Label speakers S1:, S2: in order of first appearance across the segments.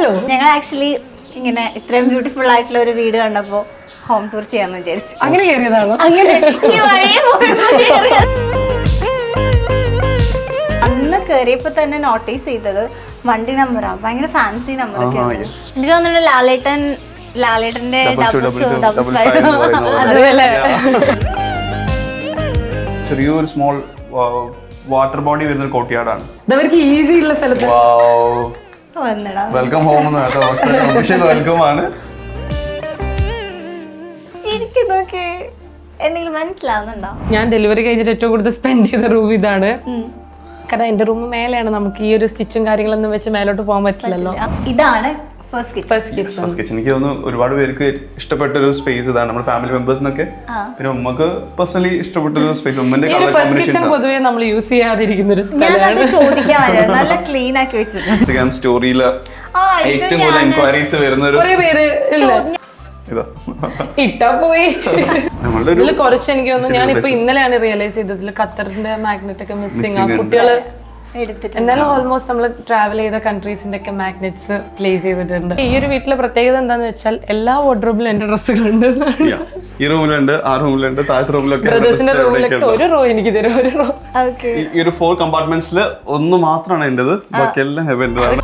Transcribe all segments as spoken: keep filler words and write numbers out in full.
S1: Hello.
S2: ഞങ്ങൾ actually ഇങ്ങനെ ഇത്രയും ബ്യൂട്ടിഫുൾ ആയിട്ടുള്ള ഒരു വീട് കണ്ടപ്പോ ഹോം ടൂർ ചെയ്യാന്ന് വിചാരിച്ചു.
S1: അങ്ങനെ കയറിയതാണോ?
S2: അങ്ങനെ ഈ വഴിയെ പോയപ്പോ കേറിയത്. അന്ന് കേറിയപ്പോ തന്നെ നോട്ടീസ് ചെയ്തത് വണ്ടി നമ്പറാ, ഭയങ്കര ഫാൻസി നമ്പർ ഒക്കെ. എനിക്ക് തോന്നുന്നു ലാലേട്ടൻ ലാലേട്ടന്റെ അതുപോലെ
S3: ചെറിയൊരു സ്മോൾ വാട്ടർ ബോഡി വരുന്ന കോട്ടിയാടാണ്.
S1: അവർക്ക് ഈസി ഉള്ള സ്ഥലത്ത്
S3: വെൽക്കം ഹോം വെൽക്കം ആണ്.
S2: ശരിക്കും എന്തെങ്കിലും മനസ്സിലാവുന്നുണ്ടോ?
S1: ഞാൻ ഡെലിവറി കഴിഞ്ഞിട്ട് ഏറ്റവും കൂടുതൽ സ്പെൻഡ് ചെയ്ത റൂം ഇതാണ്. കാരണം എന്റെ റൂം മേലെയാണ്, നമുക്ക് ഈ ഒരു സ്റ്റിച്ചും കാര്യങ്ങളൊന്നും വെച്ച് മേലോട്ട് പോകാൻ പറ്റില്ലല്ലോ.
S2: ഇതാണ് ഫസ്റ്റ്
S3: കിച്ചൺ. എനിക്ക് തോന്നുന്നു ഒരുപാട് പേർക്ക് ഇഷ്ടപ്പെട്ട ഒരു സ്പേസ് ഇതാണ്, നമ്മുടെ ഫാമിലി മെമ്പേഴ്സിനൊക്കെ. പിന്നെ ഉമ്മക്ക് പേഴ്സണലി ഇഷ്ടപ്പെട്ട ഒരു സ്പേസ്. ഉമ്മന്റെ
S1: ഫസ്റ്റ് കിച്ചൺ പൊതുവെ നമ്മൾ യൂസ് ചെയ്യാതിരിക്കുന്ന ഒരു
S2: നല്ല ക്ലീൻ ആക്കി വെച്ചിട്ടുണ്ട്.
S3: ഇൻസ്റ്റാഗ്രാം സ്റ്റോറിയില് ഏറ്റവും കൂടുതൽ എൻക്വയറീസ് വരുന്ന ഒരു
S1: പേര് ഇട്ടാ പോയി. ഇതിൽ കുറച്ച് എനിക്ക് തോന്നുന്നു, ഞാനിപ്പോ ഇന്നലെയാണ് റിയലൈസ് ചെയ്തതിൽ ഖത്തറിന്റെ മാഗ്നറ്റ് ഒക്കെ മിസ്സിംഗ് ആ കുട്ടികള്. എന്നാലും ഓൾമോസ്റ്റ് നമ്മൾ ട്രാവൽ ചെയ്ത കൺട്രീസിന്റെ ഒക്കെ മാഗ്നറ്റ്സ് പ്ലേസ് ചെയ്തിട്ടുണ്ട്. ഈ ഒരു വീട്ടിലെ പ്രത്യേകത എന്താന്ന് വെച്ചാൽ എല്ലാ വാർഡ്രോബിലും എന്റെ ഡ്രസ്സുകളുണ്ട്.
S3: ഈ റൂമിലുണ്ട്, ആ റൂമിലുണ്ട്, താഴത്തെ റൂമിലൊക്കെ.
S1: ബ്രദേഴ്സിന്റെ റൂമിലൊക്കെ ഒരു റോ എനിക്ക് തരും, ഒരു റോ.
S3: ഈ ഒരു ഫോർ കമ്പാർട്ട്മെന്റ്സിൽ ഒന്ന് മാത്രമാണ് എന്റേത്, ബാക്കി എല്ലാം ഹെവന്റേതാണ്.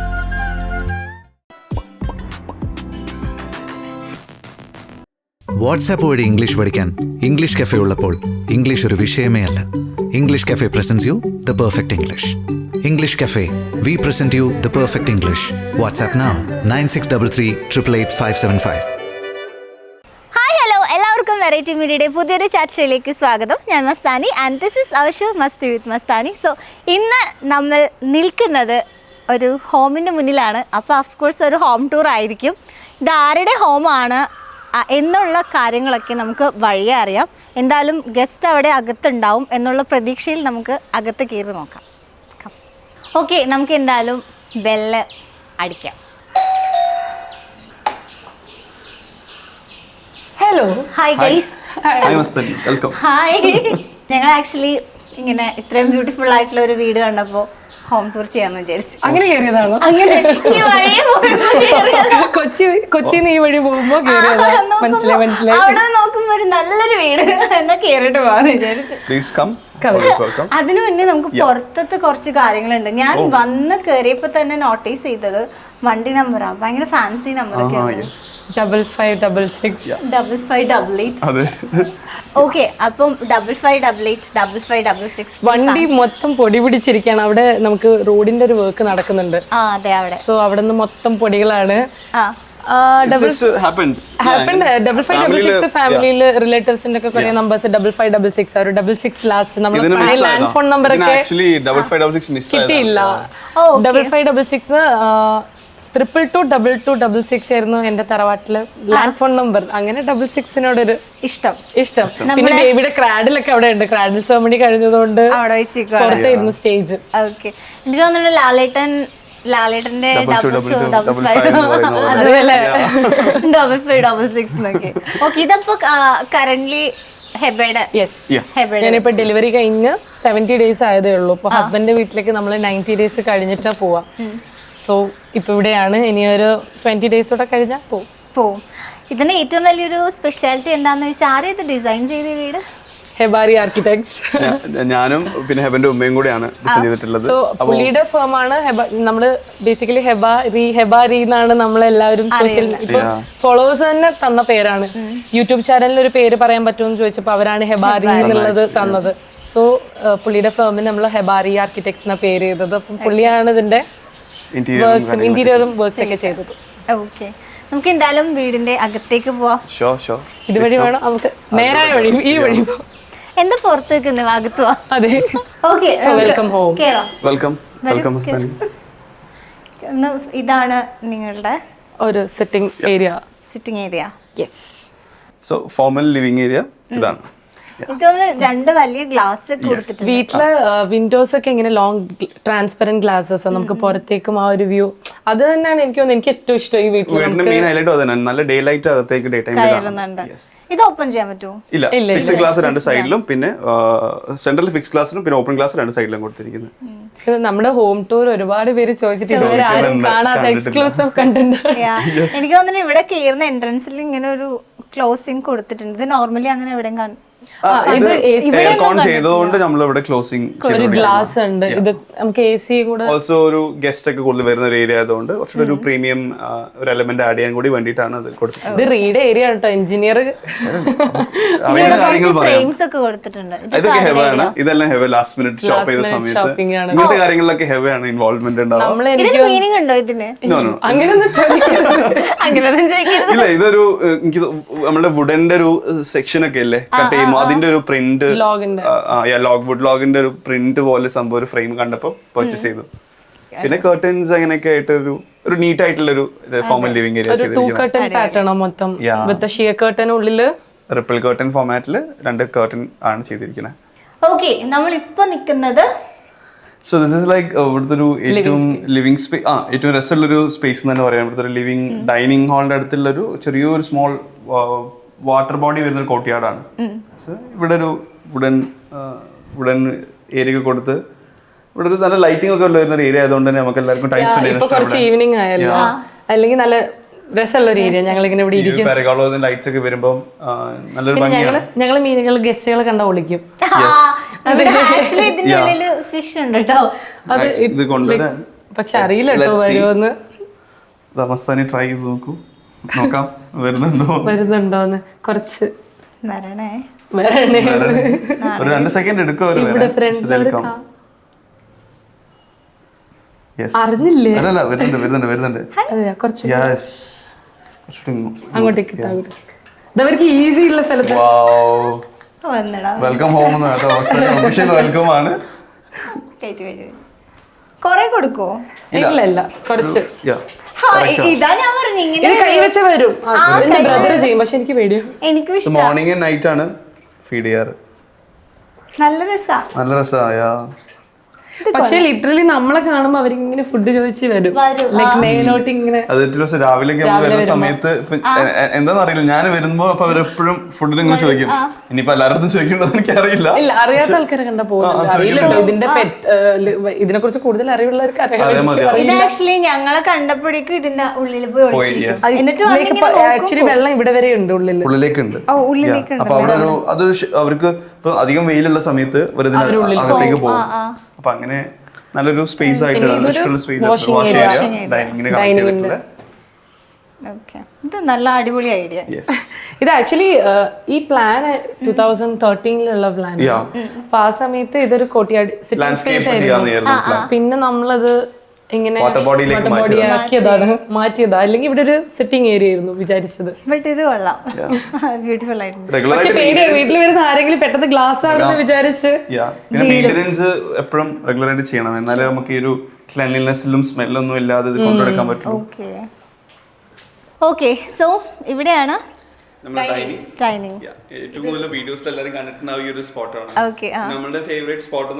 S4: വാട്സാപ്പ് വഴി ഇംഗ്ലീഷ് പഠിക്കാൻ ഇംഗ്ലീഷ് കഫേ ഉള്ളപ്പോൾ ഇംഗ്ലീഷ് ഒരു വിഷയമേ അല്ല. English cafe presents you the perfect English. English cafe, we present you the perfect English. WhatsApp now nine six double three triple eight five seven five.
S2: Hi hello, എല്ലാവർക്കും variety മീഡിയയുടെ പുതിയൊരു ചർച്ചയിലേക്ക് സ്വാഗതം. ഞാൻ Mastani and this is our show Masti with Mastani. So ഇന്ന് നമ്മൾ നിൽക്കുന്നത് ഒരു ഹോമിൻ്റെ മുന്നിലാണ്. അപ്പോൾ ഓഫ്കോഴ്സ് ഒരു ഹോം ടൂർ ആയിരിക്കും. ഇത് ആരുടെ ഹോമാണ് എന്നുള്ള കാര്യങ്ങളൊക്കെ നമുക്ക് വഴിയെ അറിയാം. എന്തായാലും ഗസ്റ്റ് അവിടെ അകത്തുണ്ടാവും എന്നുള്ള പ്രതീക്ഷയിൽ നമുക്ക് അകത്ത് കയറി നോക്കാം. ഓക്കെ, നമുക്ക് എന്തായാലും ബെല്ല് അടിക്കാം.
S1: Hello.
S2: Hi guys.
S3: Welcome.
S2: Hi. ഞങ്ങൾ ആക്ച്വലി ഇങ്ങനെ ഇത്രയും ബ്യൂട്ടിഫുൾ ആയിട്ടുള്ള ഒരു വീട് കണ്ടപ്പോൾ ഹോം ടൂർ ചെയ്യാന്ന് വിചാരിച്ചു.
S1: അങ്ങനെ കയറിയതാണോ?
S2: അങ്ങനെ ഈ വഴിയെ പോയപ്പോ
S1: കൊച്ചി കൊച്ചിന്ന് ഈ വഴി പോകുമ്പോ മനസ്സിലായി മനസ്സിലായി
S2: അവിടെ നോക്കുമ്പോ ഒരു നല്ലൊരു വീട് എന്നാ കേറിട്ട് പോവാന്ന് വിചാരിച്ചു.
S3: Please come.
S2: അതിനു മുന്നേ നമുക്ക് പുറത്തത്തെ കുറച്ച് കാര്യങ്ങളുണ്ട്. ഞാൻ വന്ന് കേറിയപ്പോ തന്നെ നോട്ടീസ് ചെയ്തത് വണ്ടി നമ്പറാ, ഭയങ്കര ഫാൻസി നമ്പർ ഒക്കെ.
S1: Double five double six
S2: double five double eight. Okay, അപ്പം double five double eight double five double six.
S1: വണ്ടി മൊത്തം പൊടി പിടിച്ചിരിക്കുകയാണ്. അവിടെ നമുക്ക് റോഡിന്റെ ഒരു വർക്ക് നടക്കുന്നുണ്ട്.
S2: ആ അതെ, അവിടെ.
S1: സോ അവിടെ നിന്ന് മൊത്തം പൊടികളാണ്. ഡബിൾ ഫൈവ് ഡബിൾ സിക്സ് ഫാമിലിയില് റിലേറ്റീവ്സിന്റെ ഒക്കെ കുറെ numbers double five double six ഒരു ഡബിൾ സിക്സ് ലാസ്റ്റ് നമ്മൾ ലാൻഡ് ഫോൺ നമ്പർ ഒക്കെ കിട്ടിയില്ല. Double five double six triple two double two double six ആയിരുന്നു എന്റെ തറവാട്ടില് ലാൻഡ് ഫോൺ നമ്പർ. അങ്ങനെ ഡബിൾ സിക്സിനോടൊരു ഇഷ്ടം ഇഷ്ടം പിന്നെ ബേബിയുടെ ക്രാഡിലൊക്കെ അവിടെ ഉണ്ട്. ക്രാഡിൽ സെർമണി കഴിഞ്ഞതുകൊണ്ട് പുറത്തായിരുന്നു സ്റ്റേജ്.
S2: ഓക്കെ, എനിക്ക് തോന്നുന്നു ലാലേട്ടൻ ലാലേട്ടന്റെ double five double five double six എന്നൊക്കെ. ഓക്കെ, ഇതപ്പോ കറന്റ്ലി ഹെബയുടെ.
S1: ഞാനിപ്പോ ഡെലിവറി കഴിഞ്ഞ് സെവന്റി ഡേയ്സ് ആയതേ ഉള്ളൂ. ഇപ്പൊ ഹസ്ബൻഡിന്റെ വീട്ടിലേക്ക് നമ്മൾ നയൻറ്റി ഡേയ്സ് കഴിഞ്ഞിട്ടാ പോവാ. സോ ഇപ്പൊ ഇവിടെയാണ്. ഇനി ഒരു ട്വന്റി ഡേയ്സ് കൂടെ കഴിഞ്ഞാൽ പോവും
S2: പോവും ഇതിന് ഏറ്റവും വലിയൊരു സ്പെഷ്യാലിറ്റി എന്താന്ന് വെച്ചാൽ ആരും ഇത് ഡിസൈൻ ചെയ്ത വീട്
S1: ഹെബാരി ആർക്കിടെക്ട്സ്.
S3: ഞാനും പിന്നെ ഹെബന്റെ ഉമ്മയും കൂടെയാണ് ഡിസൈൻ ചെയ്തിട്ടുള്ളത്.
S1: സോ പുള്ളിയുടെ ഫേം ആണ്. നമ്മള് ബേസിക്കലി ഹെബാരി ഹെബാരി എന്നാണ് നമ്മളെല്ലാവരും സോഷ്യൽ ഇപ്പൊ ഫോളോവേഴ്സ് തന്നെ തന്ന പേരാണ്. യൂട്യൂബ് ചാനലിൽ ഒരു പേര് പറയാൻ പറ്റുമെന്ന് ചോദിച്ചപ്പോൾ അവരാണ് ഹെബാരി എന്നുള്ളത് തന്നത്. സോ പുള്ളിയുടെ ഫേമിന് നമ്മൾ ഹെബാരി ആർക്കിടെക്ട്സ് എന്ന പേര് ചെയ്തത്. അപ്പം പുള്ളിയാണ് ഇതിന്റെ ഇന്റീരിയറും വർക്ക്സ് ഒക്കെ ചെയ്തത്.
S2: ഓക്കെ, നമുക്ക് എന്തായാലും വീടിന്റെ അകത്തേക്ക് പോവാം.
S1: ഇതുവഴി വേണം നമുക്ക് നേരായ വഴി, ഈ വഴി പോവാം.
S2: എന്താ പുറത്തേക്ക് അകത്ത് പോവാം.
S1: അതെ.
S2: Okay,
S1: welcome home.
S3: Welcome welcome.
S2: ഇതാണ് നിങ്ങളുടെ
S1: ഒരു sitting area.
S2: Sitting area.
S1: Yes.
S3: So formal living area ഇതാണ്.
S2: രണ്ട് വലിയ ഗ്ലാസ്
S1: വീട്ടിലെ വിൻഡോസ് ഒക്കെ ഇങ്ങനെ ലോങ് ട്രാൻസ്പെറന്റ് ഗ്ലാസസ് നമുക്ക് പുറത്തേക്കും ആ ഒരു വ്യൂ അത് തന്നെയാണ് എനിക്ക് തോന്നുന്നത് എനിക്ക് ഏറ്റവും ഇഷ്ടം ഈ വീട്ടിൽ
S3: വീടിന്റെ മെയിൻ ഹൈലൈറ്റ് അതന്നെ, നല്ല ഡേ ലൈറ്റ് അകത്തേക്ക് ഡേ ടൈമിൽ
S2: കയറുന്നുണ്ട്. ഇത് ഓപ്പൺ ചെയ്യാൻ പറ്റുമോ?
S3: ഇല്ല, ഫിക്സ് ഗ്ലാസ് രണ്ട് സൈഡിലും പിന്നെ സെൻട്രൽ ഫിക്സ് ഗ്ലാസിലും പിന്നെ ഓപ്പൺ ഗ്ലാസ് രണ്ട് സൈഡിലും കൊടുത്തിരിക്കുന്നത്.
S1: ഇത് നമ്മുടെ ഹോം ടൂർ ഒരുപാട് പേര് ചോദിച്ചിട്ട് ഇതുവരെ ആരും കാണാത്ത എക്സ്ക്ലൂസീവ് കണ്ടന്റ്.
S2: എനിക്ക് തോന്നുന്നു ഇവിടെ കയറുന്ന എൻട്രൻസിൽ ഇങ്ങനെ ഒരു ക്ലോസിംഗ് കൊടുത്തിട്ടുണ്ട്. ഇത് നോർമലി അങ്ങനെ എവിടെയും കാണും.
S3: എയർ കോൺ ചെയ്തതുകൊണ്ട് നമ്മൾ ഇവിടെ ക്ലോസിംഗ്
S1: ഒരു ഗ്ലാസ് ഉണ്ട്. ഇത് നമുക്ക് എ സി കൂടെ
S3: ഓൾസോ ഒരു ഗസ്റ്റ് ഒക്കെ കൂടുതൽ വരുന്ന ഒരു ഏരിയ ആയതുകൊണ്ട് കുറച്ചുകൂടി ഒരു പ്രീമിയം ഒരു എലമെന്റ് ആഡ് ചെയ്യാൻ കൂടി വേണ്ടിയിട്ടാണ് അത് കൊടുത്തത്.
S1: ഇത് റീഡ് ഏരിയ കേട്ടോ, എഞ്ചിനീയർ
S3: അറിയുന്ന കാര്യങ്ങൾ പറയാം.
S2: ഫ്രെയിംസ് ഒക്കെ കൊടുത്തിട്ടുണ്ട്.
S3: ഇതൊക്കെ ഹെവ ആണ്, ഇതെല്ലാം ഹെവ ലാസ്റ്റ് മിനിറ്റ് ഷോപ്പ് ചെയ്ത സമയത്ത് ഇങ്ങനത്തെ കാര്യങ്ങളിലൊക്കെ ഹെവ ആണ് ഇൻവോൾവ്മെന്റ് ഉണ്ടാവും.
S2: ഇതിന് മീനിങ് ഉണ്ടോ ഇതിന്?
S1: അങ്ങനെയൊന്നും
S2: അങ്ങനെയൊന്നും ചോദിക്കരുത്.
S3: ഇല്ല, ഇതൊരു എനിക്ക് നമ്മുടെ വുഡന്റെ ഒരു സെക്ഷൻ ഒക്കെ അല്ലേ കട്ട് ചെയ്യുമ്പോൾ അതിന്റെ ഒരു പ്രിന്റ് ലോഗ് വുഡ് ലോഗിന്റെ ഒരു പ്രിന്റ് പോലെ സംഭവം ഒരു ഫ്രെയിം കണ്ടപ്പോ പർച്ചേസ് ചെയ്തു. പിന്നെ കർട്ടൻസ് അങ്ങനെയൊക്കെ ആയിട്ട് ഒരു ഒരു നീറ്റ് ആയിട്ടുള്ള ഒരു ഫോമൽ ലിവിംഗ് ഏരിയ
S1: മൊത്തം ഷിയർ കർട്ടൻ ഉള്ളില്
S3: റിപ്പിൾ കർട്ടൻ ഫോമാറ്റില് രണ്ട് കർട്ടൻ ആണ് ചെയ്തിരിക്കുന്നത്.
S2: ഓക്കെ, നമ്മൾ ഇപ്പൊ നിൽക്കുന്നത്
S3: സോ ദിസ് ഇസ് ലൈക്ക് ഇവിടുത്തെ ഒരു ഏറ്റവും ലിവിംഗ് സ്പേസ് ആ ഏറ്റവും രസമുള്ളൊരു സ്പേസ് എന്ന് തന്നെ പറയാം. ഇവിടുത്തെ ഒരു ലിവിംഗ് ഡൈനിങ് ഹാളിന്റെ അടുത്തുള്ള ഒരു ചെറിയൊരു സ്മോൾ വാട്ടർ ബോഡി വരുന്ന ഒരു കോർട്ട്യാർഡാണ്. സോ ഇവിടെ ഒരു വുഡൻ വുഡൻ ഏരിയ ഒക്കെ കൊടുത്ത് ഇവിടെ ഒരു നല്ല ലൈറ്റിംഗ് ഒക്കെ വരുന്ന ഒരു ഏരിയ ആയതുകൊണ്ട് തന്നെ നമുക്ക് എല്ലാവർക്കും ടൈം സ്പെൻഡ് ചെയ്യാൻ
S1: കുറച്ച് ഈവനിങ് ആയല്ലോ, അല്ലെങ്കിൽ നല്ല രസമുള്ള ഒരു ഏരിയ. ഞങ്ങൾ ഇങ്ങനെ ഇവിടെ ഇരിക്കും,
S3: ലൈറ്റ്സ് ഒക്കെ വരുമ്പോൾ നല്ലൊരു ഭംഗിയാണ്.
S1: ഞങ്ങൾ മീനുകൾ ഗസ്റ്റുകളെ കണ്ട വിളിക്കും.
S2: ആക്ച്വലി ഇതിന്റെ ഉള്ളിൽ ഫിഷ് ഉണ്ട് കേട്ടോ.
S1: അത്
S3: ഇത് കൊണ്ടുവരാൻ
S1: പക്ഷെ അറിയില്ല കേട്ടോ വരുമോന്ന്.
S3: മസ്താനി ട്രൈ ചെയ്ത് നോക്കൂ, നോക്കാം വരുന്നുണ്ടോ
S1: വരുന്നുണ്ടോന്ന്. കുറച്ച്
S2: വരണേ
S1: വരണേ
S3: ഒരു രണ്ട് സെക്കൻഡ് എടുക്കും.
S1: അറിഞ്ഞില്ലേ?
S3: അല്ലല്ല വരുന്നുണ്ട് വരുന്നുണ്ട് വരുന്നുണ്ട്
S1: കുറച്ച്
S3: യെസ്
S1: അങ്ങോട്ടേക്ക് ഇതവർക്ക് ഈസി ഉള്ള സ്ഥലത്ത്.
S3: വെൽക്കം ഹോം എന്ന് കേട്ടോ, ഒഫീഷ്യൽ വെൽക്കം ആണ്.
S2: കൊറേ കൊടുക്കോ?
S1: ഇല്ല ഇല്ല കുറച്ച്.
S2: ഇതാ ഞാൻ പറഞ്ഞു ഇങ്ങനെ
S1: ഇത് കൈ വെച്ച വരും. എന്റെ ബ്രദർ ചെയ്യും, പക്ഷെ എനിക്ക് പേടിയാ.
S2: എനിക്കും
S3: മോർണിംഗ് ആൻഡ് നൈറ്റ് ആണ് ഫീഡ് ചെയ്യാറ്.
S2: നല്ല രസാ
S3: നല്ല രസാ.
S1: പക്ഷെ ലിറ്ററലി നമ്മളെ കാണുമ്പോ അവരിങ്ങനെ ഫുഡ് ചോദിച്ച് വരും. ലൈക് മേലോട്ട് ഇങ്ങനെ
S3: രാവിലെ വരുന്ന സമയത്ത് എന്താന്ന് അറിയില്ല, ഞാൻ വരുമ്പോ അപ്പൊ അവരെപ്പോഴും ഫുഡിന് ഇങ്ങനെ ചോദിക്കും. ഇനിയിപ്പോ എല്ലാവരും ചോദിക്കണ്ടോ എനിക്ക് അറിയില്ല.
S1: ഇല്ല, അറിയാത്ത ആൾക്കാരെ കണ്ടാ പോകുന്നത് അറിയില്ലല്ലോ. ഇതിന്റെ പെറ്റ് ഇതിനെ കുറിച്ച് കൂടുതൽ അറിവുള്ളവർക്ക് അറിയാം.
S2: ഇത് ആക്ച്വലി ഞങ്ങളെ കണ്ടപ്പോഴേക്കും ഇതിന്റെ ഉള്ളിൽ പോയി എന്നിട്ട്
S1: ആക്ച്വലി വെള്ളം ഇവിടെ വരെ ഉണ്ട് ഉള്ളിൽ
S3: ഉള്ളിലേക്കുണ്ട്. അപ്പൊ അവിടെ ഒരു അതൊരു അവർക്ക് ഇപ്പൊ അധികം വെയിലുള്ള സമയത്ത് അകത്തേക്ക് പോകും. അപ്പൊ അങ്ങനെ നല്ലൊരു സ്പേസ് ആയിട്ട് വാഷ് ഏരിയ ഡൈനിങ്ങിന് കണക്ട് ചെയ്തിട്ടുള്ള
S2: ഇത് നല്ല അടിപൊളി ഐഡിയ.
S1: ഇത് ആക്ച്വലി ഈ പ്ലാൻ ടൂ തൗസൻഡ് തേർട്ടീനിലുള്ള പ്ലാൻ. അപ്പൊ ആ സമയത്ത് ഇതൊരു കോട്ടിയാടി സിറ്റിംഗ് സ്പേസ് ആയിരുന്നു. പിന്നെ നമ്മളത് ഇങ്ങനെ ആക്കിയതാണ്, മാറ്റിയതാ. അല്ലെങ്കിൽ ഇവിടെ ഒരു സിറ്റിംഗ് ഏരിയ ആയിരുന്നു വിചാരിച്ചത്.
S2: ബട്ട് ഇത് കൊള്ളാം, ബ്യൂട്ടിഫുൾ ആയിരുന്നു.
S1: പക്ഷെ പേടിയാ, വീട്ടിൽ വരുന്ന ആരെങ്കിലും പെട്ടെന്ന് ഗ്ലാസ് ആണെന്ന് വിചാരിച്ച്.
S3: മെയിൻ്റെനൻസ് എപ്പോഴും റെഗുലർ ആയിട്ട് ചെയ്യണം, എന്നാലേ നമുക്ക് ഈ ഒരു ക്ലീൻലിനെസ്സിലും സ്മെല്ലൊന്നും ഇല്ലാതെ ഇത് കൊണ്ടുനടക്കാൻ പറ്റും.
S2: ഓക്കെ ഓക്കെ സോ ഇവിടെയാണ്
S3: ഏറ്റവും കൂടുതൽ വീഡിയോസിൽ എല്ലാവരും കണ്ടിട്ടുണ്ടാവും ഈ ഒരു സ്പോട്ടാണ്. നമ്മുടെ ഫേവറേറ്റ് സ്പോട്ട്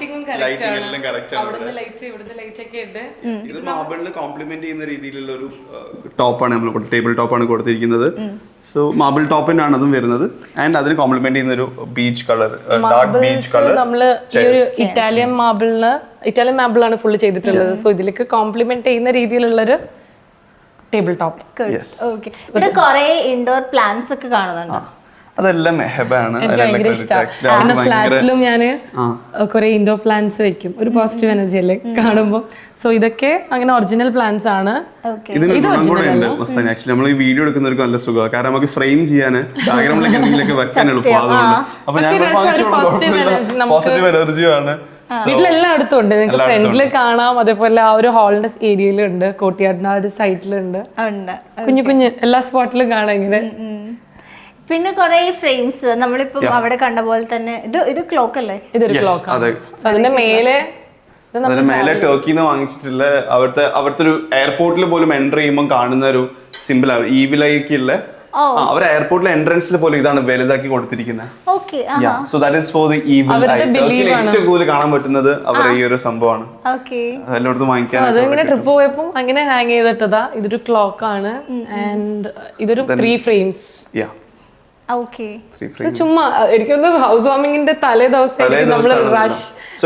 S3: ഇത് മാർബിളിന് കോംപ്ലിമെന്റ് ചെയ്യുന്ന രീതിയിലുള്ള ഒരു ടോപ്പാണ് നമ്മൾ ടേബിൾ ടോപ്പാണ് കൊടുത്തിരിക്കുന്നത്. സോ മാർബിൾ ടോപ്പിനാണ് അതും വരുന്നത്. ആൻഡ് അതിന് കോംപ്ലിമെന്റ് ചെയ്യുന്ന ഒരു beach colour, dark beach colour.
S1: നമ്മള് ഈ ഒരു ഇറ്റാലിയൻ മാർബിളിന് ഇറ്റാലിയൻ മാർബിളാണ് ഫുള്ള് ചെയ്തിട്ടുള്ളത്. സോ ഇതിലേക്ക് കോംപ്ലിമെന്റ് ചെയ്യുന്ന രീതിയിലുള്ളൊരു ടേബിൾ ടോപ്പ്.
S2: ഇവിടെ കുറേ ഇൻഡോർ പ്ലാന്റ്സ് ഒക്കെ കാണുന്നുണ്ട്.
S3: അതെല്ലാം മെഹബാണ്.
S1: ഫ്ലാറ്റിലും ഞാന് കുറെ ഇൻഡോർ പ്ലാന്റ്സ് വെക്കും, ഒരു പോസിറ്റീവ് എനർജി അല്ലേ കാണുമ്പോൾ. സോ ഇതൊക്കെ അങ്ങനെ ഒറിജിനൽ പ്ലാന്റ്സ് ആണ്.
S3: ഇതിന് ഗുണം കൂടെ ഉണ്ട് മസ്താനി. ആക്ച്വലി നമ്മൾ ഈ വീഡിയോ എടുക്കുന്നവർക്ക് നല്ല സുഖമാണ്, കാരണം നമുക്ക് ഫ്രെയിം ചെയ്യാൻ ബാക്ക്ഗ്രൗണ്ടിലേക്ക് എന്തെങ്കിലുമൊക്കെ വെക്കാൻ എളുപ്പം. അതുകൊണ്ട് അപ്പൊ ഞാൻ പോസിറ്റീവ് എനർജിയാണ്.
S1: വീട്ടിലെല്ലാം അടുത്തും ഉണ്ട്, നിങ്ങൾക്ക് ഫ്രണ്ടില് കാണാം. അതേപോലെ ആ ഒരു ഹാളിന്റെ ഏരിയയിലുണ്ട്, കോട്ടിയാടിന്റെ ആ ഒരു സൈഡിലുണ്ട്, കുഞ്ഞു കുഞ്ഞു എല്ലാ സ്പോട്ടിലും കാണാം ഇങ്ങനെ.
S2: പിന്നെ കുറെ ഫ്രെയിംസ് നമ്മളിപ്പം അവിടെ കണ്ട പോലെ തന്നെ. ഇത് ഇത് ക്ലോക്ക് അല്ലേ?
S1: ഇതൊരു ക്ലോക്ക്. അതിന്റെ മേലെ
S3: അതിന്റെ മേലെ ടർക്കിന്ന് വാങ്ങിച്ചിട്ടുള്ള അവിടുത്തെ അവിടുത്തെ ഒരു എയർപോർട്ടിൽ പോലും എൻ്റർ ചെയ്യുമ്പോൾ കാണുന്ന ഒരു സിമ്പിൾ ആണ് ഈവിലേക്കുള്ള അവർ എയർപോർട്ടിലെ എൻട്രൻസിൽ പോലും ഇതാണ് വലുതാക്കി കൊടുത്തിരിക്കുന്നത്.
S2: Okay
S3: so that is for the evil eye. ടർക്കിയിൽ ഏറ്റവും കൂടുതൽ കാണാൻ പറ്റുന്നത് അവരുടെ ഈ ഒരു സംഭവമാണ്.
S2: ഓക്കെ
S3: എല്ലായിടത്തും വാങ്ങിക്കാൻ.
S1: അതിങ്ങനെ ട്രിപ്പ് പോയപ്പോ അങ്ങനെ ഹാങ് ചെയ്തിട്ടതാ. ഇതൊരു ക്ലോക്ക് ആണ് ആൻഡ് ഇതൊരു ത്രീ ഫ്രെയിംസ്.
S2: ഓക്കെ
S1: ചുമ്മാ എനിക്കൊന്ന് ഹൗസ് വാമിങ്ങിന്റെ തലേ ദിവസം നമ്മള് റഷ്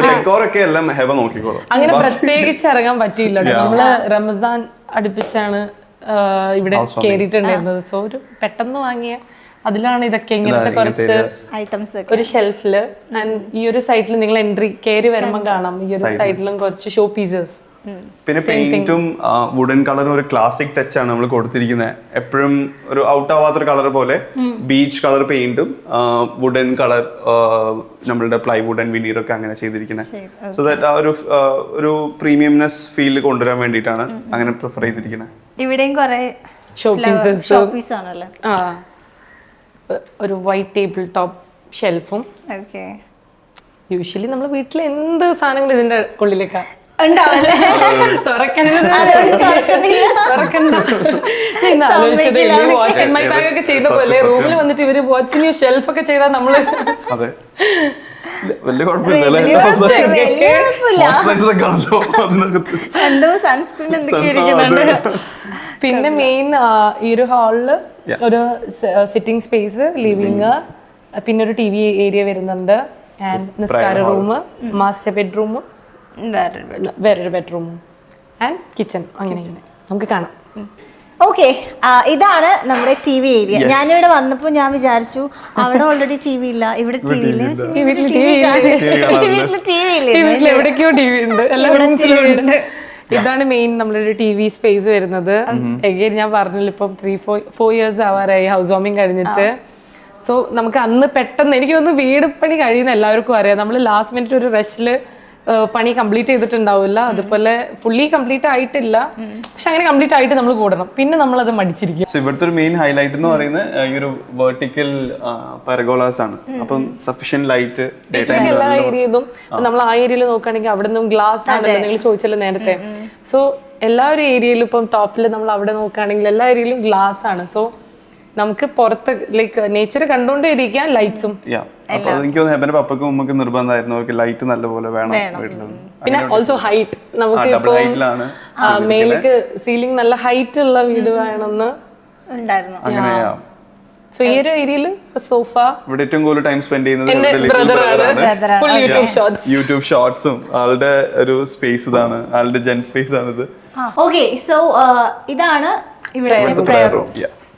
S1: അങ്ങനെ പ്രത്യേകിച്ച് ഇറങ്ങാൻ പറ്റിയില്ല. നമ്മള് റമസാൻ അടുപ്പിച്ചാണ് ഇവിടെ കേറിയിട്ടുണ്ടായിരുന്നത്. സോ ഒരു പെട്ടെന്ന് വാങ്ങിയ അതിലാണ് ഇതൊക്കെ ഇങ്ങനത്തെ കുറച്ച്
S2: ഐറ്റംസ്
S1: ഒരു ഷെൽഫില്. ആൻഡ് ഈ ഒരു സൈഡിൽ നിങ്ങൾ എൻട്രി കയറി വരുമ്പോൾ കാണാം ഈ ഒരു സൈഡിലും കുറച്ച് ഷോ പീസസ്.
S3: പിന്നെ പെയിന്റും വുഡൻ കളറും ഒരു ക്ലാസിക് ടച്ച് ആണ് നമ്മൾ കൊടുത്തിരിക്കുന്നത്. എപ്പോഴും ഒരു ഔട്ട് ആവാത്തൊരു കളർ പോലെ ബീച്ച് കളർ പെയിന്റും വുഡൻ കളർ നമ്മളുടെ പ്ലൈവുഡ് ആൻഡ് വിനീർ ഒക്കെ അങ്ങനെ ചെയ്തിരിക്കുന്നത്. സോ ദാറ്റ് ആ ഒരു ഒരു പ്രീമിയംനെസ് ഫീൽ കൊണ്ടുവരാൻ വേണ്ടിയിട്ടാണ് അങ്ങനെ പ്രിഫർ ചെയ്തിരിക്കുന്നത്.
S2: ഇവിടെയും കുറെ
S1: ഷോ പീസസ്
S2: ഷോ പീസ് ആണല്ലേ.
S1: ആ ഒരു വൈറ്റ് ടേബിൾ ടോപ്പ് ഷെൽഫും.
S2: ഓക്കെ
S1: യൂഷ്വലി നമ്മൾ വീട്ടിൽ എന്ത് സാധനങ്ങൾ ഇതിന്റെ ഉള്ളിലേക്കാ
S2: ഉണ്ടാവല്ലേ.
S1: വാച്ച് മൈ ബാഗ് ഒക്കെ ചെയ്ത പോലെ റൂമിൽ വന്നിട്ട് ഇവര് വാച്ചിങ് ഷെൽഫ് ഒക്കെ ചെയ്താൽ നമ്മള്
S3: വലിയ കുഴപ്പമില്ല.
S2: എന്തോ സൺസ്ക്രീൻ എന്തൊക്കെ.
S1: പിന്നെ മെയിൻ ഈ ഒരു ഹാളില് ഒരു സിറ്റിംഗ് സ്പേസ്, ലിവിങ്, പിന്നെ ഒരു ടി വി ഏരിയ വരുന്നുണ്ട്. ആൻഡ് നിസ്കാര റൂം, മാസ്റ്റർ ബെഡ്റൂം, വേറൊരു ബെഡ്റൂം ആൻഡ് കിച്ചൺ. അങ്ങനെ നമുക്ക് കാണാം.
S2: ഓക്കെ ഇതാണ് നമ്മുടെ ടി വി ഏരിയ. ഞാനിവിടെ വന്നപ്പോ ഞാൻ വിചാരിച്ചു അവിടെ ഓൾറെഡി ടി വി ഇല്ല, ഇവിടെ ടി വി ഇല്ല. വീട്ടില് ടി വി ഇല്ല,
S1: എവിടേക്കോ ടി വി ഉണ്ട്, എല്ലാ റൂംസിലും ഉണ്ട്. ഇതാണ് മെയിൻ നമ്മളൊരു ടി വി സ്പേസ് വരുന്നത്. എഗെയിൻ ഞാൻ പറഞ്ഞില്ല, ഇപ്പം ത്രീ ഫോർ ഫോർ ഇയേഴ്സ് ആവാറായി ഹൗസ് വാമിങ് കഴിഞ്ഞിട്ട്. സോ നമുക്ക് അന്ന് പെട്ടെന്ന് എനിക്ക് തോന്നുന്നു വീട് പണി കഴിയുന്ന എല്ലാവർക്കും അറിയാം. നമ്മൾ ലാസ്റ്റ് മിനിറ്റ് ഒരു റഷില് പണി കംപ്ലീറ്റ് ചെയ്തിട്ടുണ്ടാവില്ല. അതുപോലെ ഫുള്ളി കംപ്ലീറ്റ് ആയിട്ടില്ല, പക്ഷെ അങ്ങനെ കംപ്ലീറ്റ് ആയിട്ട് നമ്മൾ കൂടണം. പിന്നെ നമ്മൾ അത് മടിച്ചിരിക്കും.
S3: ഇവിടുത്തെ ഒരു മെയിൻ ഹൈലൈറ്റ് എന്ന് പറയുന്നത് ഈ ഒരു വെർട്ടിക്കൽ പെർഗോളാസ് ആണ്. അപ്പം സഫിഷ്യന്റ് ലൈറ്റ്
S1: എല്ലാ ഏരിയയിലും നമ്മൾ ആ ഏരിയയിൽ നോക്കുകയാണെങ്കിൽ അവിടെ നിന്നും ഗ്ലാസ് ആണല്ലോ, നിങ്ങൾ ചോദിച്ചല്ലോ നേരത്തെ. സോ എല്ലാ ഒരു ഏരിയയിലും ഇപ്പം ടോപ്പിൽ നമ്മൾ അവിടെ നോക്കുകയാണെങ്കിൽ എല്ലാ ഏരിയയിലും ഗ്ലാസ് ആണ്. സോ നമുക്ക് പുറത്ത് ലൈക്ക് നേച്ചർ കണ്ടുകൊണ്ടേ ഇരിക്കാൻ ലൈറ്റ്സും.
S3: എനിക്ക് തോന്നുന്നു ഹെബന്റെ പപ്പക്കും ഉമ്മക്കും നിർബന്ധമായിരുന്നു അവർക്ക് ലൈറ്റ് നല്ലപോലെ വേണം വീട്ടിൽ.
S1: പിന്നെ ഓൾസോ ഹൈറ്റ്, നമുക്ക് ഇപ്പോൾ മേലേക്ക് സീലിംഗ് നല്ല ഹൈറ്റ് ഉള്ള വീട് വേണമെന്ന്
S2: ഉണ്ടായിരുന്നു.
S3: അങ്ങനെയാ.
S1: സോ ഈ ഒരു ഏരിയയിൽ സോഫ.
S3: ഇവിടെ ഏറ്റവും കൂടുതൽ ടൈം സ്പെൻഡ് ചെയ്യുന്നത് യൂട്യൂബ് ഷോർട്സും ആളുടെ ഒരു സ്പേസ് ഇതാണ്, ആളുടെ ജെൻ സ്പേസ് ആണിത്.
S2: ഓക്കെ സോ ഇതാണ് ഇവിടെ പ്രയർ റൂം.